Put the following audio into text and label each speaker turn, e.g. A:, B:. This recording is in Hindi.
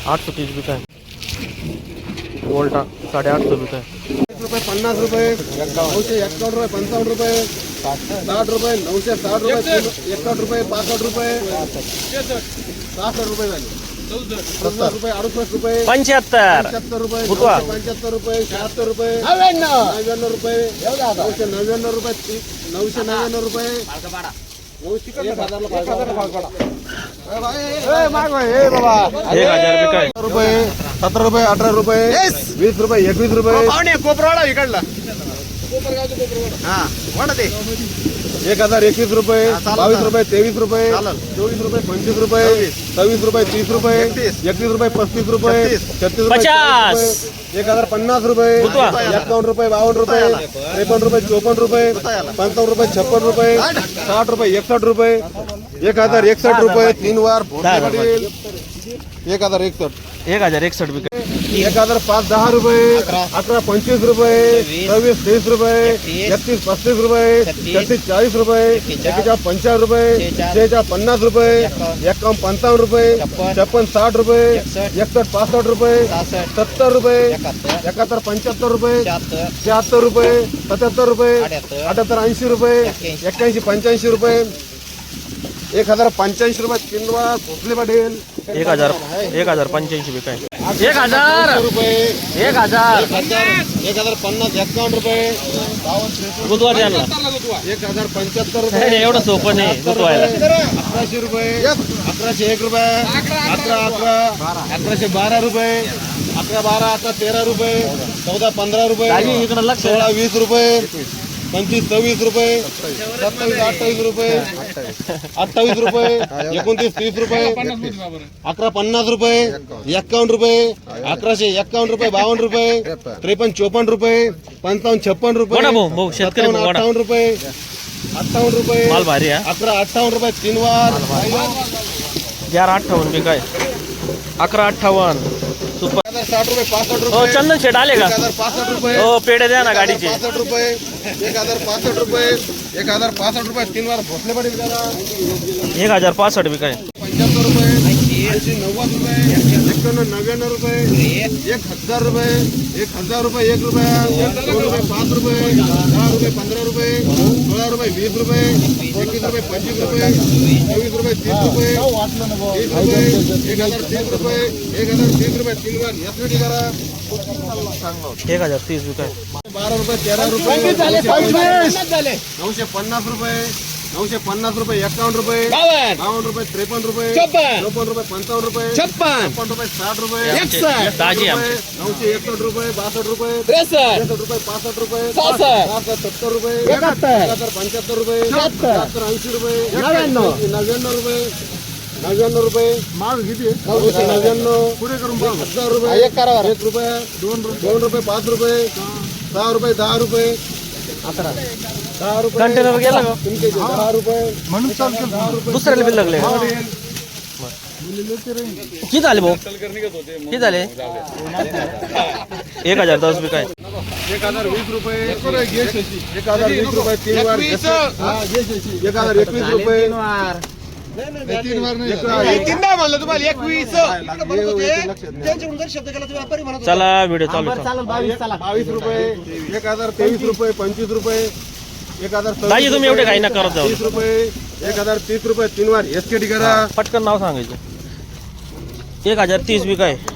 A: 830 बिका है। वोल्टा 850 बिका है।
B: 50 रुपये 951 रुपये 55 रुपये 60 रुपये 960 रुपये 61 रुपये 62 रुपये 66 रुपये झाले 70 रुपये 68 रुपये
A: 75
B: 75 रुपये
A: बुतवा
B: 75 रुपये 76 रुपये 99 रुपये 999 रुपये 999 रुपये
A: 1000 बिका है।
B: रुपये 17 रुपये 18 रुपये 20 रुपये 21 रुपये 1021 रुपये 22 रुपये 23 रुपये 24 रुपये 25 रुपये 26 रुपये 30 रुपये 31 रुपये 35 रुपये 36 रुपये
A: 50
B: 1050 रुपये 51 रुपये 52 रुपये 53 रुपये 54 रुपये 55 रुपये 56 रुपये 60 रुपये 61 रुपये 1061 रुपये 3 बार 1061
A: 1061 बिका है।
B: 1005 रुपये 11 25 रुपये 26 30 रुपये 31 35 रुपये 36 40 रुपये 41 50 रुपये 50 रुपये 51 55 रुपये 56 60 रुपये 61 65 रुपये 70 रुपये 71 75 रुपये 76 रुपये 77 रुपये 78 80 रुपये 81 85 रुपये 1085 रुपये 3 बार भोसले पटेल
A: 1085 बिका है। 1000
B: रुपये
A: 1000
B: 1050 51 रुपये
A: बुधवार द्यायला
B: 1075 रुपये
A: एवढं सोपं नाही बुधवायला।
B: 1100 रुपये 1101 रुपये 1112 रुपये 1112 आता 13 रुपये 14 15 रुपये
A: दाजी इकडं लक्ष
B: 16 20 रुपये 25 26 रुपये 27 28 रुपये 28 रुपये 29 30 रुपये 11 50 रुपये 51 रुपये 1151 रुपये 52 रुपये 53 54 रुपये 55 56 रुपये
A: वडा भाऊ शेतकरी
B: 58 रुपये 58 रुपये
A: माल भारी आहे
B: 11 58 रुपये 3 वार
A: 1158 बिका है। 1158 सुपर
B: 60 रुपये 65
A: हो
B: रुपये
A: चंदन शेट आले का
B: 1065 रुपये
A: हो पेढे द्या ना गाडीचे
B: 65 रुपये 1065 रुपये 1065 रुपये 3 बार भोसले पडेल त्याला
A: 1065 बिका है।
B: 75 रुपये 80 90 रुपये 91 99 रुपये 1000 रुपये 1000 रुपये 1 रुपया 2 रुपये 5 रुपये 10 रुपये 15 रुपये 16 रुपये 20 रुपये 21 रुपये 25 रुपये 24 रुपये 30 रुपये 30 रुपये 1030 रुपये 1030 रुपये 3 बार यासाठी करा
A: 1030 बिका है।
B: 12 रुपये 13 रुपये 950 रुपये 950 रुपये 51 रुपये 52 रुपये 53 रुपये 54 रुपये 55 रुपये 56 रुपये 60 रुपये
A: ताजी
B: 961 रुपये 62 रुपये 63 रुपये 65 रुपये 70 रुपये 75 रुपये 80 रुपये 99 रुपये 99 रुपये माल किती 999 पुढे करून 1000 रुपये 1 रुपये 2 रुपये 5 रुपये 6 रुपये 10 रुपये 10 रुपये
A: कंटेनर गेला का
B: 10 रुपये म्हणून
A: दुसऱ्याला बिल लागले किती झाले भाऊ किती झाले 1010 बिका है।
B: 1020 रुपये 1020 रुपये 3 बार 1021 रुपये 3 बार नाही म्हणलं तुम्हाला 21
A: चला व्हिडिओ चालू आहे।
B: 22 रुपये 1023 रुपये 25 रुपये 1000
A: दाजी तुम्ही एवढे काही ना करत जाऊ
B: 30 रुपये 1030 रुपये 3 बार एसकेटी करा
A: पटकन नाव सांगायचं 1030 बिका है।